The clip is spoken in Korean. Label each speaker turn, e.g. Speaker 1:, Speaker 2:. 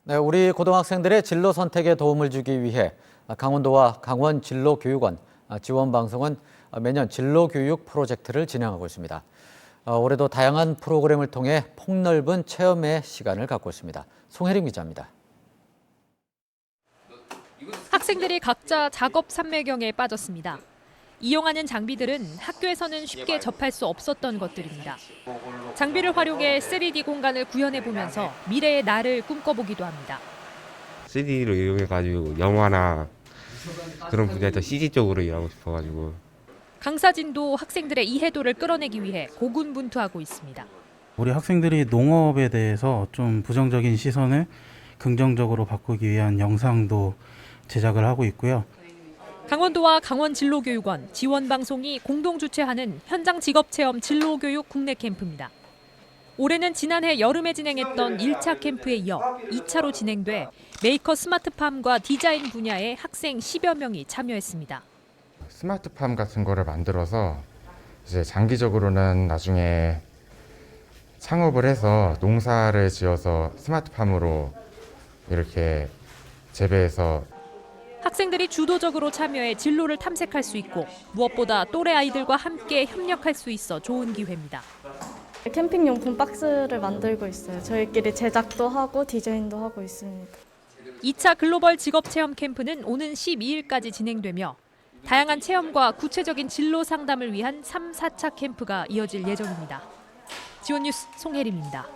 Speaker 1: 네, 우리 고등학생들의 진로 선택에 도움을 주기 위해 강원도와 강원진로교육원 지원방송은 매년 진로교육 프로젝트를 진행하고 있습니다. 올해도 다양한 프로그램을 통해 폭넓은 체험의 시간을 갖고 있습니다. 송혜림 기자입니다.
Speaker 2: 학생들이 각자 작업 삼매경에 빠졌습니다. 이용하는 장비들은 학교에서는 쉽게 접할 수 없었던 것들입니다. 장비를 활용해 3D 공간을 구현해보면서 미래의 나를 꿈꿔보기도 합니다.
Speaker 3: 3D로 이용해가지고 영화나 그런 분야에서 CG 쪽으로 일하고 싶어가지고.
Speaker 2: 강사진도 학생들의 이해도를 끌어내기 위해 고군분투하고 있습니다.
Speaker 4: 우리 학생들이 농업에 대해서 좀 부정적인 시선을 긍정적으로 바꾸기 위한 영상도 제작을 하고 있고요.
Speaker 2: 강원도와 강원진로교육원 지원방송이 공동 주최하는 현장 직업체험 진로교육 국내 캠프입니다. 올해는 지난해 여름에 진행했던 1차 캠프에 이어 2차로 진행돼 메이커 스마트팜과 디자인 분야의 학생 10여 명이 참여했습니다.
Speaker 5: 스마트팜 같은 거를 만들어서 이제 장기적으로는 나중에 창업을 해서 농사를 지어서 스마트팜으로 이렇게 재배해서
Speaker 2: 학생들이 주도적으로 참여해 진로를 탐색할 수 있고 무엇보다 또래 아이들과 함께 협력할 수 있어 좋은 기회입니다.
Speaker 6: 캠핑용품 박스를 만들고 있어요. 저희끼리 제작도 하고 디자인도 하고 있습니다.
Speaker 2: 2차 글로벌 직업체험 캠프는 오는 12일까지 진행되며 다양한 체험과 구체적인 진로 상담을 위한 3, 4차 캠프가 이어질 예정입니다. 지원뉴스 송혜림입니다.